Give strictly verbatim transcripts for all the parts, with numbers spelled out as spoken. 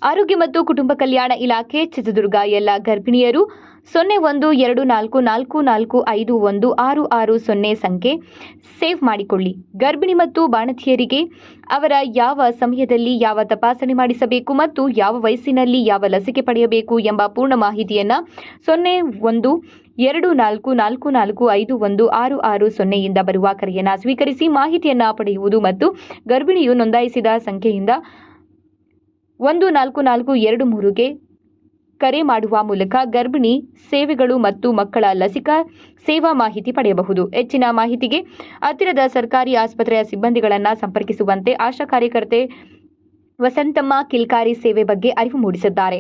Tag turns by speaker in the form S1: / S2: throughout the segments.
S1: ಆರೋಗ್ಯ ಮತ್ತು ಕುಟುಂಬ ಕಲ್ಯಾಣ ಇಲಾಖೆ ಚಿತ್ರದುರ್ಗ ಎಲ್ಲ ಗರ್ಭಿಣಿಯರು ಸೊನ್ನೆ ಒಂದು ಎರಡು ನಾಲ್ಕು ನಾಲ್ಕು ನಾಲ್ಕು ಐದು ಒಂದು ಆರು ಆರು ಸೊನ್ನೆ ಸಂಖ್ಯೆ ಸೇವ್ ಮಾಡಿಕೊಳ್ಳಿ. ಗರ್ಭಿಣಿ ಮತ್ತು ಬಾಣಂತಿಯರಿಗೆ ಅವರ ಯಾವ ಸಮಯದಲ್ಲಿ ಯಾವ ತಪಾಸಣೆ ಮಾಡಿಸಬೇಕು ಮತ್ತು ಯಾವ ವಯಸ್ಸಿನಲ್ಲಿ ಯಾವ ಲಸಿಕೆ ಪಡೆಯಬೇಕು ಎಂಬ ಪೂರ್ಣ ಮಾಹಿತಿಯನ್ನು ಸೊನ್ನೆ ಒಂದು ಎರಡು ನಾಲ್ಕು ನಾಲ್ಕು ನಾಲ್ಕು ಐದು ಒಂದು ಆರು ಆರು ಸೊನ್ನೆಯಿಂದ ಬರುವ ಕರೆಯನ್ನು ಸ್ವೀಕರಿಸಿ ಮಾಹಿತಿಯನ್ನು ಪಡೆಯುವುದು ಮತ್ತು ಗರ್ಭಿಣಿಯು ನೋಂದಾಯಿಸಿದ ಸಂಖ್ಯೆಯಿಂದ ಒಂದು ನಾಲ್ಕು ನಾಲ್ಕು ಎರಡು ಮೂರುಗೆ ಕರೆ ಮಾಡುವ ಮೂಲಕ ಗರ್ಭಿಣಿ ಸೇವೆಗಳು ಮತ್ತು ಮಕ್ಕಳ ಲಸಿಕಾ ಸೇವಾ ಮಾಹಿತಿ ಪಡೆಯಬಹುದು. ಹೆಚ್ಚಿನ ಮಾಹಿತಿಗೆ ಹತ್ತಿರದ ಸರ್ಕಾರಿ ಆಸ್ಪತ್ರೆಯ ಸಿಬ್ಬಂದಿಗಳನ್ನು ಸಂಪರ್ಕಿಸುವಂತೆ ಆಶಾ ಕಾರ್ಯಕರ್ತೆ ವಸಂತಮ್ಮ ಕಿಲ್ಕಾರಿ ಸೇವೆ ಬಗ್ಗೆ ಅರಿವು ಮೂಡಿಸಿದ್ದಾರೆ.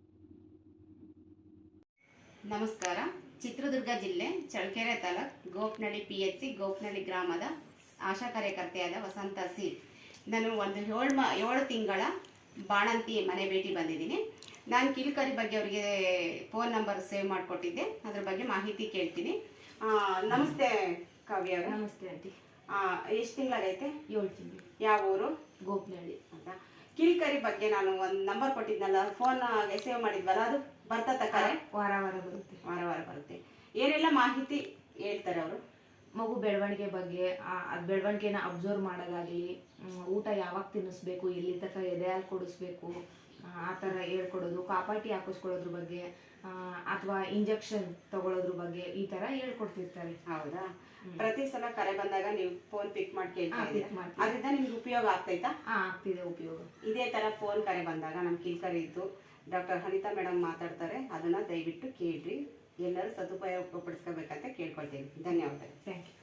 S2: ನಮಸ್ಕಾರ. ಚಿತ್ರದುರ್ಗ ಜಿಲ್ಲೆ Challakere taluk Gopanahalli P H C Gopanahalli ಗ್ರಾಮದ ಆಶಾ ಕಾರ್ಯಕರ್ತೆಯಾದ ವಸಂತ ಸಿ. ನಾನು ಒಂದು ಏಳು ಮ ಏಳು ತಿಂಗಳ ಬಾಣಂತಿ ಮನೆ ಭೇಟಿ ಬಂದಿದ್ದೀನಿ. ನಾನು ಕಿಲ್ಕಾರಿ ಬಗ್ಗೆ ಅವರಿಗೆ ಫೋನ್ ನಂಬರ್ ಸೇವ್ ಮಾಡಿಕೊಟ್ಟಿದ್ದೆ, ಅದ್ರ ಬಗ್ಗೆ ಮಾಹಿತಿ ಕೇಳ್ತೀನಿ. ನಮಸ್ತೆ ಕಾವ್ಯ ಅವರು.
S3: ನಮಸ್ತೆ ಆಂಟಿ.
S2: ಎಷ್ಟು ತಿಂಗಳಾಗೈತೆ?
S3: ಏಳು ತಿಂಗಳು.
S2: ಯಾವ ಊರು?
S3: ಗೋಪನಹಳ್ಳಿ
S2: ಅಂತ. ಕಿಲ್ಕಾರಿ ಬಗ್ಗೆ ನಾನು ಒಂದು ನಂಬರ್ ಕೊಟ್ಟಿದ್ನಲ್ಲ, ಫೋನ್ ಸೇವ್ ಮಾಡಿದ್ವಲ್ಲ, ಅದು ಬರ್ತತ್ತ ಕರೆ?
S3: ವಾರ ವಾರ ಬರುತ್ತೆ.
S2: ವಾರ ವಾರ ಬರುತ್ತೆ. ಏನೆಲ್ಲ ಮಾಹಿತಿ ಹೇಳ್ತಾರೆ ಅವರು?
S3: ಮಗು ಬೆಳವಣಿಗೆ ಬಗ್ಗೆ, ಅದು ಬೆಳವಣಿಗೆನ ಅಬ್ಸರ್ವ್ ಮಾಡೋದಾಗಲಿ, ಊಟ ಯಾವಾಗ ತಿನ್ನಿಸ್ಬೇಕು, ಎಲ್ಲಿ ತನಕ ಎದೆ ಹಾಲು ಕೊಡಿಸ್ಬೇಕು, ಆ ಥರ ಹೇಳ್ಕೊಡೋದು, ಕಾಪಾಟಿ ಹಾಕಿಸ್ಕೊಳ್ಳೋದ್ರ ಬಗ್ಗೆ ಅಥವಾ ಇಂಜೆಕ್ಷನ್ ತಗೊಳ್ಳೋದ್ರ ಬಗ್ಗೆ ಈ ಥರ ಹೇಳ್ಕೊಡ್ತಿರ್ತಾರೆ.
S2: ಹೌದಾ? ಪ್ರತಿ ಸಲ ಕರೆ ಬಂದಾಗ ನೀವು ಫೋನ್ ಪಿಕ್ ಮಾಡಿ ಕೇಳ್ತೀರಿ, ಅದರಿಂದ ನಿಮ್ಗೆ ಉಪಯೋಗ ಆಗ್ತೈತಾ?
S3: ಹಾಂ, ಆಗ್ತಿದೆ ಉಪಯೋಗ.
S2: ಇದೇ ಥರ ಫೋನ್ ಕರೆ ಬಂದಾಗ ನಮ್ಮ ಕಿಲ್ಕಾರಿ ಇದ್ದು ಡಾಕ್ಟರ್ ಅನಿತಾ ಮೇಡಮ್ ಮಾತಾಡ್ತಾರೆ, ಅದನ್ನು ದಯವಿಟ್ಟು ಕೇಳ್ರಿ. ಎಲ್ಲರೂ ಸದುಪಯೋಗ ಪಡಿಸ್ಕೋಬೇಕಂತ ಕೇಳ್ಕೊಳ್ತೀನಿ. ಧನ್ಯವಾದಗಳು.
S3: Thank you.